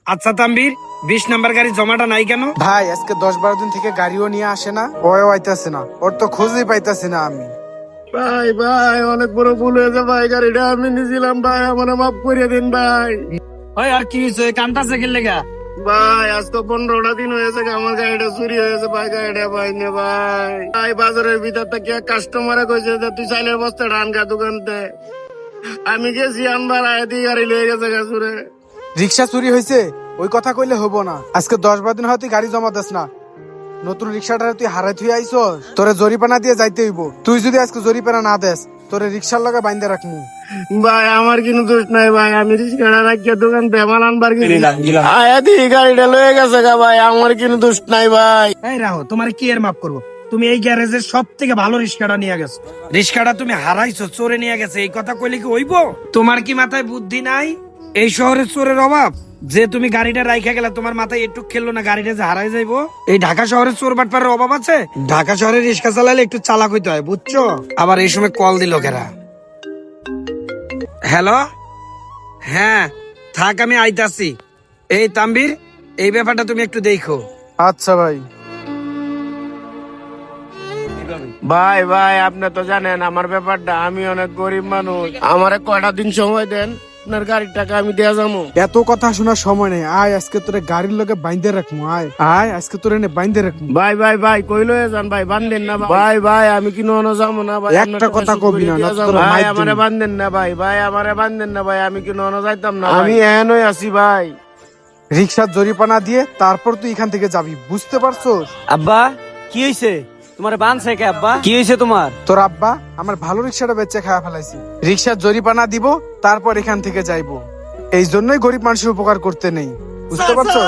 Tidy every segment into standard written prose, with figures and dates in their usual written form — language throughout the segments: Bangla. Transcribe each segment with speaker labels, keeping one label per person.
Speaker 1: আচ্ছা তাম্বির 20 নাম্বার গাড়ি জমাটা নাই কেন?
Speaker 2: ভাই আজকে 10-12 দিন থেকে গাড়িও নিয়ে আসে না, ওও আইতাছে না, ওর তো খোঁজই পাইতাছি না আমি।
Speaker 3: ভাই ভাই অনেক বড় ভুল হয়েছে ভাই, গাড়িটা আমি নিয়েছিলাম ভাই, আমার মাফ করে দিন ভাই।
Speaker 1: ওই আর কি হইছে, কান্তাছে কি লেগা?
Speaker 3: ভাই আজকে 15টা দিন হয়েছে আমার গাড়িটা চুরি হয়েছে ভাই, গাড়িটা ভাই নে ভাই। ভাই বাজারের ভিতর থেকে কাস্টমারে কইছে যে তুই চাইলের বস্তা ধান খা দোকানতে, আমি গেছি আনবার আয়াতি গাড়ি লয়ে গেছে গাছুরে।
Speaker 2: রিক্সা চুরি হয়েছে ওই কথা কইলে হবো না। আজকে 10-12 দিন হয় তুই গাড়ি জমা দিস না, নতুন রিক্সাটা তুই হারাই থুই আইছস, তোরে জরিপানা দিয়ে যাইতে হইব। তুই যদি আজকে জরিপানা না দেস তোরে রিক্সার লগে বাইন্ধে রাখমু।
Speaker 3: ভাই আমার কিন্তু দোষ নাই ভাই, আমি রিক্সাটা রাখিয়া দোকান তেমাল আনবার গেছি, আয়াতি গাড়িটা লয়ে গেছে গা ভাই, আমার কিন্তু দোষ নাই ভাই।
Speaker 1: এই রাহো, তোমার কি এর মাফ করবো? তুমি এই গ্যারেজের সব থেকে ভালো রিক্সাটা নিয়ে গেছো, রিক্সাটা তুমি হারাইছো, চোরে নিয়ে গেছে, এই কথা কইলে কি হইব? তোমার কি মাথায় বুদ্ধি নাই? এই শহরে চোরের অভাব যে তুমি গাড়িটা রাইখা গেলা, তোমার মাথায় একটু খেললো না গাড়িটা যে হারাই যাইবো? এই ঢাকা শহরে চোর বাটপারের অভাব আছে? ঢাকা শহরে রিক্সা চালালে একটু চালাক হইতে হয়, বুঝছো? আবার এই সময় কল দিল কেরা? হ্যালো, হ্যাঁ থাক আমি আইতাছি। এই তাম্বির, এই ব্যাপারটা তুমি একটু দেখো।
Speaker 2: আচ্ছা ভাই।
Speaker 3: ভাই ভাই আপনি তো জানেন আমার ব্যাপারটা, আমি অনেক গরিব মানুষ, আমারে কয়টা দিন সময় দেন, আপনার গাড়ির টাকা আমি দেয়া যাবো।
Speaker 2: এত কথা শোনার সময় নেই, আয় আজকে তোরে গাড়ির লগে বাইন্ধে রাখমু। আয় আয় আজকে তোরে নে বাইন্ধে রাখমু।
Speaker 3: ভাই ভাই ভাই কই লয়ে যান ভাই, বান্ধেন না ভাই, ভাই আমি কি ননো যাবো না ভাই,
Speaker 2: একটা কথা কবি না, না তোর
Speaker 3: ভাই
Speaker 2: মাইর
Speaker 3: আমারে
Speaker 2: দিমু।
Speaker 3: বান্ধেন না ভাই, ভাই আমারে বান্ধেন না ভাই, আমি কি ননো যাইতাম না, আমি এহেনই আছি ভাই।
Speaker 2: রিক্সার জরিপানা দিয়ে তারপর তুই এখান থেকে যাবি, বুঝতে পারছস?
Speaker 4: আব্বা কি হয়েছে তোমার? বানছে কে আব্বা? কি হয়েছে তোমার?
Speaker 2: তোর আব্বা আমার ভালো রিক্সাটা বেচে খাওয়া ফেলাইছি, রিক্সার জরিপানা দিব তারপর এখান থেকে যাইবো। এই জন্যই গরিব মানুষের উপকার করতে নেই, বুঝতে পারছো?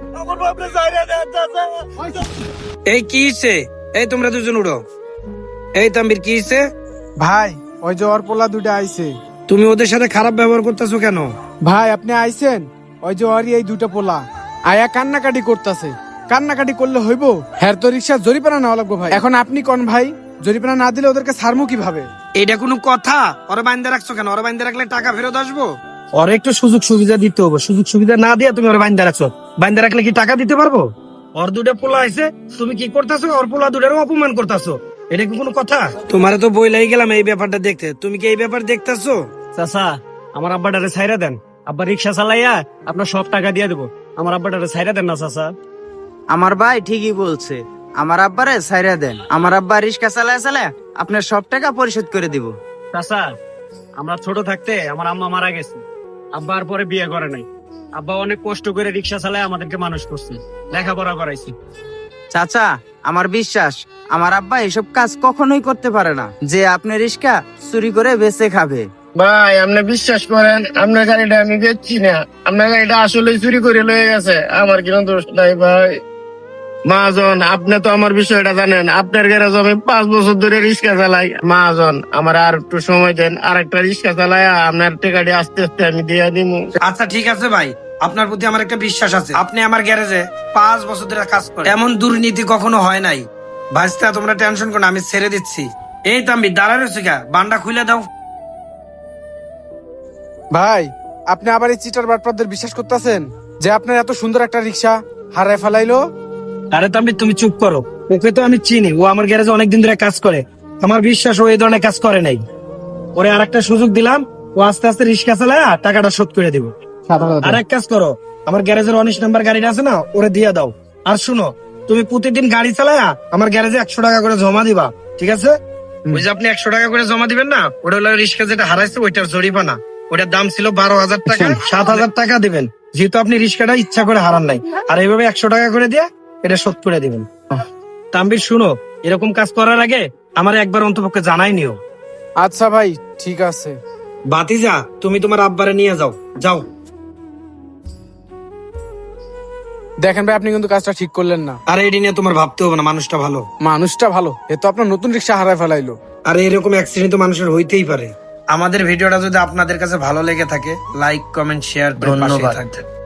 Speaker 1: এই কি হইছে? এই তোমরা দুজন উড়ো। এই তাম্বির কি হইছে?
Speaker 2: ভাই ওই যে ওর পোলা দুইটা আইছে।
Speaker 1: তুমি ওদের সাথে খারাপ ব্যবহার করতেছো কেন?
Speaker 2: ভাই আপনি আইছেন, ওই যে ওরই এই দুইটা পোলা আয়া কান্নাকাটি করতেছে। কান্নাকাটি করলে হইব? হ্যাঁ তো রিক্সার জরিপানা নেওয়া লাগবো ভাই। এখন আপনি কোন ভাই, জরিপানা না দিলে ওদেরকে ছাড়মু কিভাবে?
Speaker 1: এটা কোনো কথা? ওরা বাইন্দা রাখছো কেন? ওরা বাইন্দা রাখলে টাকা ফেরত আসবো? ওর একটু সুযোগ সুবিধা দিতে হবে, সুযোগ সুবিধা না দিয়ে তুমি ওরা বাইন্দা রাখছো, বাইন্দা রাখলে কি টাকা দিতে পারবো? ওর দুটা পোলা আছে, তুমি কি করতেছো? ওর পোলা দুটারও অপমান করতেছো, এটা কি কোনো কথা? তোমারে তো বই লাগি গেলাম এই ব্যাপারটা দেখতে, তুমি কি এই ব্যাপার দেখতেছো?
Speaker 4: চাচা আমার আব্বাটারে ছাইরা দেন, আব্বা রিক্সা চালাইয়া আপনার সব টাকা দিয়ে দেবো, আমার আব্বাটারে ছাইরা দেন না চাচা।
Speaker 5: আমার ভাই ঠিকই বলছে, আমার আব্বারে ছাইরা দেন, আমার আব্বা রিক্সা চালায় চালায় আপনার সব টাকা পরিশোধ করে দিব।
Speaker 4: চাচা আমরা ছোট থাকতে আমার আম্মা মারা গেছে, আব্বা আর পরে বিয়ে করে নাই, আব্বা অনেক কষ্ট করে রিক্সা চালায় আমাদেরকে মানুষ করছে, লেখাপড়া করাইছি।
Speaker 5: চাচা আমার বিশ্বাস আমার আব্বা এসব কাজ কখনোই করতে পারে না, যে আপনি রিক্সা চুরি করে বেচে খাবে।
Speaker 3: ভাই আপনি বিশ্বাস করেন, আপনার গাড়িটা আমি বেচছি না, আপনার গাড়িটা আসলে চুরি করে লয়ে গেছে, আমার কোনো দোষ নাই ভাই। মহাজন আপনি তো আমার বিষয়টা জানেন, আপনার গ্যারেজ আমি 5 বছর ধরে রিক্সা চালাই। মহাজন আমার আর একটু সময় দেন, আর একটা রিক্সা চালাই আপনার টাকাটি আস্তে আস্তে আমি দিয়ে দিব।
Speaker 1: আচ্ছা ঠিক আছে ভাই, আপনার প্রতি আমার একটা বিশ্বাস আছে, আপনি আমার গ্যারেজে 5 বছর ধরে কাজ করেন, এমন দুর্নীতি কখনো হয় নাই। ভাইস্তা তোমরা টেনশন করো না, আমি ছেড়ে দিচ্ছি। এই তাম্বি দাঁড়া রয়েছে গা, বান্ডা খুলে দাও।
Speaker 2: ভাই আপনি আবার এই চিটার বাটপারদের বিশ্বাস করতেছেন যে আপনার এত সুন্দর একটা রিক্সা হারায় ফেলাইলো?
Speaker 1: আরে তাম্বি তুমি চুপ করো, ওকে তো আমি চিনি, ও আমার গ্যারেজে অনেকদিন ধরে কাজ করে, আমার বিশ্বাস ও এই ধরনের কাজ করে নাই। ওরে আরেকটা সুযোগ দিলাম, ও আস্তে আস্তে রিক্সা চালায় টাকাটা শোধ করে দিব। আর এক কাজ করো, আমার গ্যারেজের 19 নাম্বার গাড়িটা আছে না, ওরে দিয়ে দাও। আর শুনো, তুমি প্রতিদিন গাড়ি চালায়া আমার গ্যারেজে 100 টাকা করে জমা দিবা, ঠিক আছে? ওই যে আপনি 100 টাকা করে জমা দিবেন না, ওটা হলো রিক্সা যেটা হারাইছে ওইটার জরিমানা। ওটার দাম ছিল 12,000 টাকা, 7,000 টাকা দিবেন, যেহেতু আপনি রিক্সাটা ইচ্ছা করে হারান নাই। আর এইভাবে 100 টাকা করে দিয়ে এটা শোধ করে দিবেন। তাম্বির শুনো, এরকম কাজ করার আগে আমার একবার অন্তপক্ষে জানাই নিও।
Speaker 2: আচ্ছা ভাই ঠিক আছে।
Speaker 1: বাতিজা তুমি তোমার আব্বারে নিয়ে যাও, যাও।
Speaker 2: দেখেন ভাই আপনি কিন্তু কাজটা ঠিক করলেন না।
Speaker 1: আর এটি নিয়ে তোমার ভাবতে হবে না, মানুষটা ভালো।
Speaker 2: মানুষটা ভালো, এ তো আপনার নতুন রিক্সা হারায় ফেলাইলো।
Speaker 1: আর এরকম অ্যাক্সিডেন্ট তো মানুষের হইতেই পারে। আমাদের ভিডিওটা যদি আপনাদের কাছে ভালো লেগে থাকে, লাইক কমেন্ট শেয়ার, ধন্যবাদ।